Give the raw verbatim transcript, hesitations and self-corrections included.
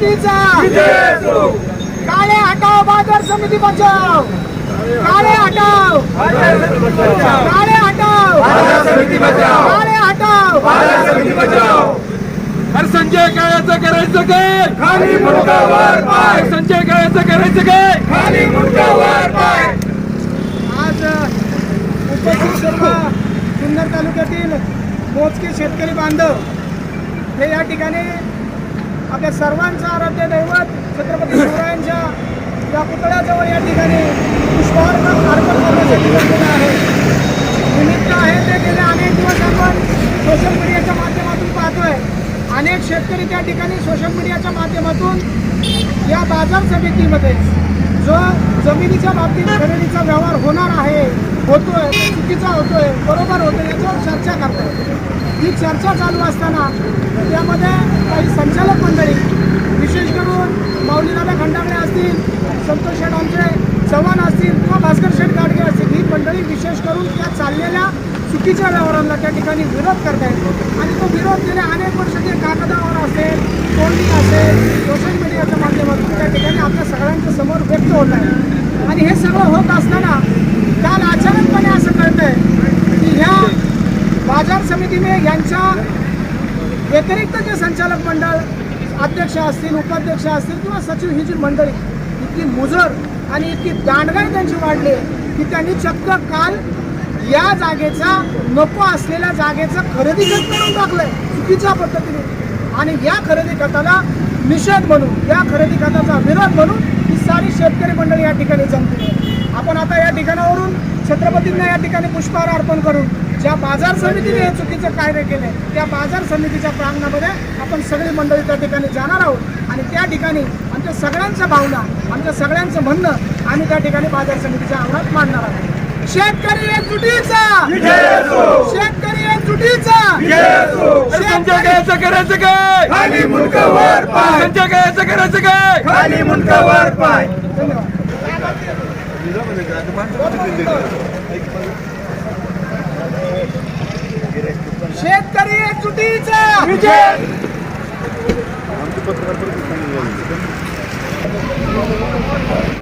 एकजुटीचा काळे हटाओ बाजार समिती बचाव, काळे हटाओ काळे हटाओ काळे हटाओ अरे संजय काळ्याचं करायचं काय? खाली मुंडावर पाय. संजय काळ्याचं करायचं काय? खाली मुंडावर पाय. आज उपस्थित सर्व जुन्नर तालुक्यातील मोजके शेतकरी बांधव हे या ठिकाणी आपल्या सर्वांचं आराध्य दैवत छत्रपती शिवरायांच्या या पुतळ्याजवळ या ठिकाणी पुष्पहार अर्पण करण्यासाठी जमलेलं आहे. निमित्त आहे ते गेले अनेक दिवस आपण सोशल मीडियाच्या माध्यमातून पाहतोय. अनेक शेतकरी त्या ठिकाणी सोशल मीडियाच्या माध्यमातून या बाजार समितीमध्ये जो जमिनीच्या बाबतीत खरेदीचा व्यवहार होणार आहे, होतोय, चुकीचा होतोय, बरोबर होतोय, याच्यावर चर्चा करताय. ही चर्चा चालू असताना त्यामध्ये काही संचालक मंडळी, विशेष करून माऊलीदादा खंडागळे असतील, संतोष शेठ आमचे चव्हाण असतील किंवा भास्कर शेठ गाडगे असतील, ही मंडळी विशेष करून त्या चाललेल्या चुकीच्या व्यवहारांना त्या ठिकाणी विरोध करतायत. आणि तो विरोध गेल्या अनेक वर्ष ते कागदावर असेल, तोंडी असेल, सोशल मीडियाच्या माध्यमातून त्या ठिकाणी आपल्या सगळ्यांच्या समोर व्यक्त होत आहे. आणि हे सगळं होत असताना काल अचानकपणे असं कळतंय की ह्या बाजार समितीने यांच्या व्यतिरिक्त जे संचालक मंडळ अध्यक्ष असतील, उपाध्यक्ष असतील किंवा सचिव, ही जी मंडळी इतकी मुजर आणि इतकी दांडगाई त्यांची वाढली की त्यांनी चक्क काल या जागेचा, नको असलेल्या जागेचं खरेदी खत करून टाकलंय चुकीच्या पद्धतीने. आणि या खरेदी खताला निषेध म्हणून, या खरेदी खताचा विरोध म्हणून ही सारी शेतकरी मंडळी या ठिकाणी जमली आहे. आपण आता या ठिकाणावरून छत्रपतींना या ठिकाणी पुष्पहार अर्पण करून ज्या बाजार समितीने हे चुकीचं कार्य केले त्या बाजार समितीच्या प्रांगणामध्ये आपण सगळी मंडळी त्या ठिकाणी जाणार आहोत. आणि त्या ठिकाणी आमच्या सगळ्यांच्या भावना, आमच्या सगळ्यांचं म्हणणं आम्ही त्या ठिकाणी बाजार समितीच्या अंगणात मांडणार आहोत. शेतकरी एकजुटीचा, शेतकरी एकजुटीचा. संजय काळ्याचं करायचं काय? खाली मुंडावर पाय. संजय काळ्याचं करायचं काय? खाली मुंडावर पाय. धन्यवाद. शेतकरी एकजुटीचा. आमचे पत्रकार